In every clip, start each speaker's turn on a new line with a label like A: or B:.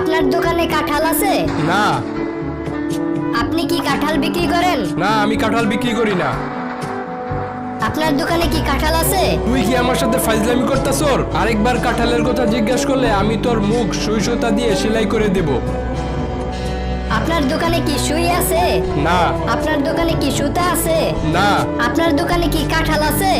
A: আপনার দোকানে কাঁঠাল আছে?
B: না।
A: আপনি কি কাঁঠাল বিক্রি করেন?
B: না, আমি কাঁঠাল বিক্রি করি না।
A: আপনার দোকানে কি কাঁঠাল আছে?
B: তুই কি আমার সাথে ফাইজলামি করতাছর? আরেকবার কাঁঠালের কথা জিজ্ঞাসা করলে আমি তোর মুখ সুই সুতা দিয়ে সেলাই করে দেব।
A: আপনার দোকানে কি সুই আছে?
B: না।
A: আপনার দোকানে কি সুতা আছে?
B: না।
A: আপনার দোকানে কি কাঁঠাল আছে?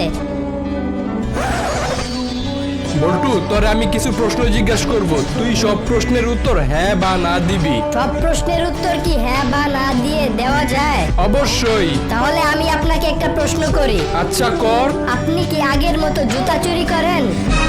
B: বল্টু, তোরে আমি কিছু প্রশ্ন জিজ্ঞাসা করব, তুই সব প্রশ্নের উত্তর হ্যাঁ বা না দিবি।
A: সব প্রশ্নের উত্তর কি হ্যাঁ বা না দিয়ে দেওয়া যায়?
B: অবশ্যই।
A: তাহলে আমি আপনাকে একটা প্রশ্ন করি।
B: আচ্ছা, কর।
A: আপনি কি আগের মতো জুতা চুরি করেন?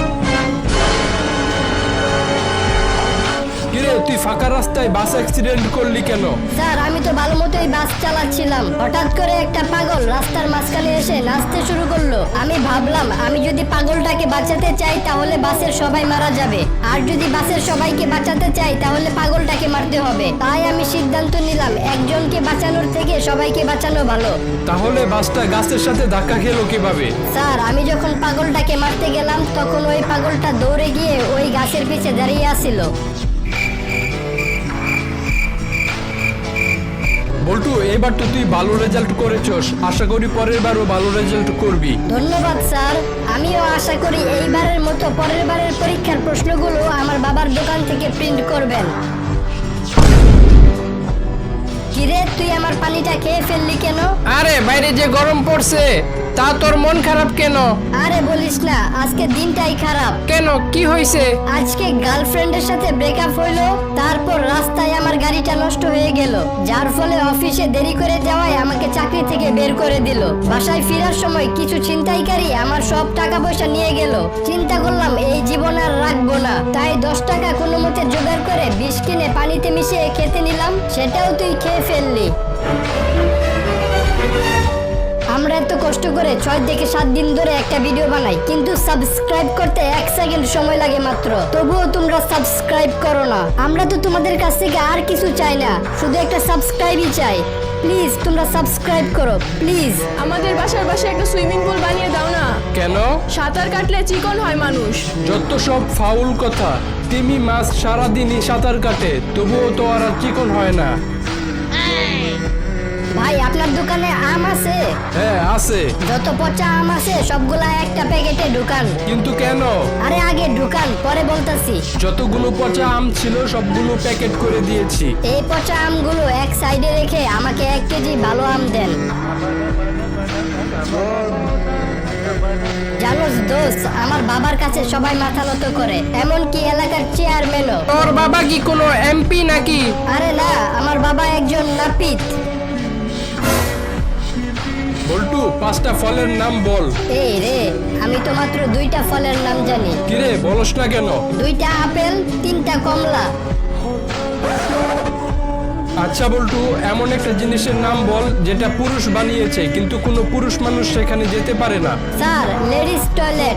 B: কিরে, তুই ফাঁকা রাস্তায় বাস অ্যাক্সিডেন্ট করলি কেন?
A: স্যার, আমি তো ভালো মতোই বাস চালাচ্ছিলাম, হঠাৎ করে একটা পাগল রাস্তার মাঝখানে এসে নাচতে শুরু করলো। আমি ভাবলাম আমি যদি পাগলটাকে বাঁচাতে চাই তাহলে বাসের সবাই মারা যাবে, আর যদি বাসের সবাইকে বাঁচাতে চাই তাহলে পাগলটাকে মারতে হবে। তাই আমি সিদ্ধান্ত নিলাম একজনকে বাঁচানোর থেকে সবাইকে বাঁচানো ভালো।
B: তাহলে বাসটা গাছের সাথে ধাক্কা খেলো কিভাবে?
A: স্যার, আমি যখন পাগলটাকে মারতে গেলাম তখন ওই পাগলটা দৌড়ে গিয়ে ওই গাছের পিছে দাঁড়িয়ে আছিল।
B: বল্টু, এবার তো তুই ভালো রেজাল্ট করেছস, আশা করি পরের বারও ভালো রেজাল্ট করবি।
A: ধন্যবাদ স্যার। আমিও আশা করি এইবারের মতো পরের বারের পরীক্ষার প্রশ্নগুলো আমার বাবার দোকান থেকে প্রিন্ট করবেন। কিরে, তুই আমার পানিটা খেয়ে ফেললি কেন?
C: আরে বাইরে যে গরম পড়ছে, তা তোর মন খারাপ কেন?
A: আরে বলিস না, আজকে দিনটাই খারাপ।
C: কেন, কি হয়েছে?
A: আজকে গার্লফ্রেন্ডের সাথে ব্রেকআপ হইলো, তারপর রাস্তায় আমার গাড়িটা নষ্ট হয়ে গেল, যার ফলে অফিসে দেরি করে যাওয়ায় আমাকে চাকরি থেকে বের করে দিল। বাসায় ফেরার সময় কিছু ছিনতাইকারী আমার সব টাকা পয়সা নিয়ে গেল। চিন্তা করলাম এই জীবন আর রাখবো না, তাই 10 টাকা কোনো মতে জোগাড় করে বিষ কিনে পানিতে মিশিয়ে খেতে নিলাম, সেটাও তুই খেয়ে ফেললি। আমরা এত কষ্ট করে 6 থেকে 7 দিন ধরে একটা ভিডিও বানাই, কিন্তু সাবস্ক্রাইব করতে 1 সেকেন্ড সময় লাগে মাত্র, তবুও তোমরা সাবস্ক্রাইব করো না। আমরা তো তোমাদের কাছ থেকে আর কিছু চাই না, শুধু একটা সাবস্ক্রাইবই চাই। প্লিজ তোমরা সাবস্ক্রাইব করো, প্লিজ।
D: আমাদের বাসার পাশে একটা সুইমিং পুল বানিয়ে দাও না।
B: কেন?
D: সাঁতার কাটলে চিকন হয় মানুষ।
B: যত সব ফাউল কথা। তিমি মাছ সারাদিনই সাঁতার কাটে, তবুও তো আর চিকন হয় না।
A: ভাই, আপনার দোকানে আম আছে?
B: হ্যাঁ, আছে।
A: যত পচা আম আছে সবগুলা একটা প্যাকেটে ঢুকান।
B: কিন্তু কেন?
A: আরে আগে ঢুকান, পরে বলতাছি।
B: যতগুলো পচা আম ছিল সবগুলো প্যাকেট করে দিয়েছি।
A: এই পচা আমগুলো এক সাইডে রেখে আমাকে 1 কেজি ভালো আম দেন। জানোস দোস্ত, আমার বাবার কাছে সবাই মাথা নত করে, এমনকি এলাকার চেয়ারম্যানও।
C: তোর বাবা কি কোনো এমপি নাকি?
A: আরে না, আমার বাবা একজন নাপিত।
B: বল্টু, 5টা ফলের নাম বল।
A: এই রে, আমি তো মাত্র 2টা ফলের নাম জানি।
B: কিরে, বলস না কেন?
A: 2টা আপেল, 3টা কমলা।
B: আচ্ছা বল্টু, এমন একটা জিনিসের নাম বল যেটা পুরুষ বানিয়েছে কিন্তু কোনো পুরুষ মানুষ সেখানে যেতে পারে না।
A: Sir, ladies toilet.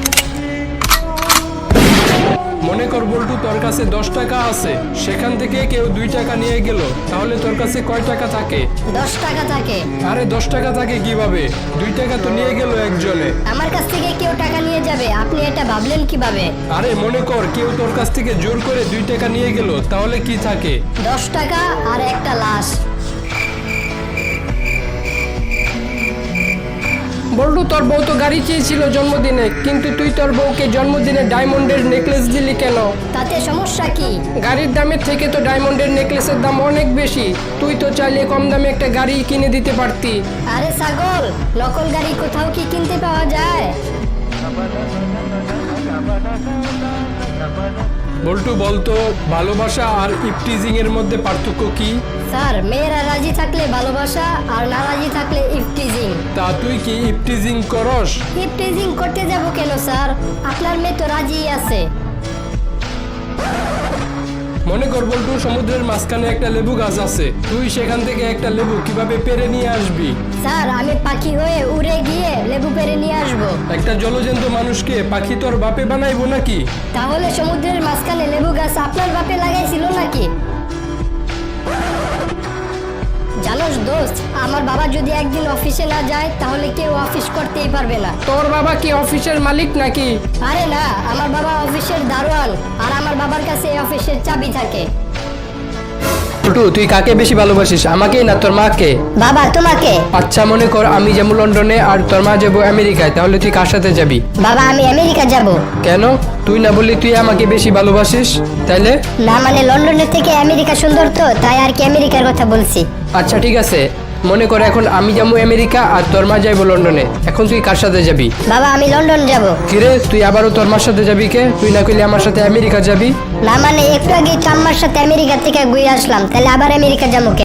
B: মনে কর বল্টু, তোর কাছে 10 টাকা আছে, সেখান থেকে কেউ 2 টাকা নিয়ে গেল, তাহলে তোর কাছে কয় টাকা থাকে?
A: 10 টাকা থাকে।
B: আরে 10 টাকা থাকে কিভাবে? 2 টাকা তো নিয়ে গেল একজনে।
A: আমার কাছ থেকে কেউ টাকা নিয়ে যাবে, আপনি এটা ভাবলেন কিভাবে?
B: আরে মনে কর কেউ তোর কাছ থেকে জোর করে 2 টাকা নিয়ে গেল, তাহলে কি থাকে?
A: 10 টাকা আর একটা লাশ।
C: বল্টু, তোর বউ তো গাড়ি চেয়েছিল জন্মদিনে, কিন্তু তুই তোর বউকে জন্মদিনে ডায়মন্ডের নেকলেস দিলি কেন?
A: তাতে সমস্যা কি?
C: গাড়ির দামের থেকে তো ডায়মন্ডের নেকলেসের দাম অনেক বেশি। তুই তো চাইলে কম দামে একটা গাড়ি কিনে দিতে পারতি।
A: আরে ছাগল, নকল গাড়ি কোথাও কি কিনতে পাওয়া যায়?
B: বল্টু, বলতো ভালোবাসা আর ইপটিজিং এর মধ্যে পার্থক্য কি?
A: স্যার, মেয়েরা রাজি থাকলে ভালোবাসা, আর না রাজি থাকলে ইফটিজিং।
B: তা তুই কি ইপটিজিং করস?
A: ইফটিজিং করতে যাব কেন স্যার? আপনার মেয়ে তো রাজি আছে।
B: মনে কর বল্টু, সমুদ্রের মাঝখানে একটা লেবু গাছ আছে, তুই সেখান থেকে একটা লেবু কিভাবে পেরে নিয়ে আসবি?
A: স্যার, আমি পাখি হয়ে উড়ে গিয়ে লেবু পেরে নিয়ে আসবো।
B: একটা জলজন্ত মানুষকে পাখি তোর বাপে বানাইবো নাকি?
A: তাহলে সমুদ্রের মাঝখানে লেবু গাছ আপনার বাপে লাগাইছিল নাকি? জানোস দোস্ত, আমার বাবা যদি একদিন অফিসে না যায় তাহলে কেউ অফিস করতেই পারবে না।
C: তোর বাবা কি অফিসের মালিক নাকি?
A: আরে না, আমার বাবা অফিসের দারোয়ান, আর আমার বাবার কাছে এই অফিসের চাবি থাকে।
B: বল্টু, তুই কাকে বেশি ভালোবাসিস, আমাকে না তোর মাকে?
A: বাবা, তোমাকে।
B: আচ্ছা, মনে কর আমি যাবো লন্ডনে আর তোর মা যাবো আমেরিকায়, তাহলে তুই কার সাথে যাবি?
A: বাবা, আমি আমেরিকা যাব।
B: কেন? তুই না বললি তুই আমাকে বেশি ভালোবাসিস, তাইলে?
A: না মানে লন্ডনের থেকে আমেরিকা সুন্দর তো, তাই আর কি আমেরিকার কথা বলছি।
B: আচ্ছা ঠিক আছে, মনে কর এখন আমি যাবো আমেরিকা আর তোর মা যাইবো লন্ডনে, এখন তুই কার সাথে যাবি?
A: বাবা, আমি লন্ডন যাব।
B: কিরে, তুই আবারও তোর মার সাথে যাবি কে? তুই না কইলে আমার সাথে আমেরিকা যাবি?
A: না মানে একটু আগে তো আম্মার সাথে আমেরিকা থেকে ঘুরে আসলাম, তাহলে আবার আমেরিকা যাবো।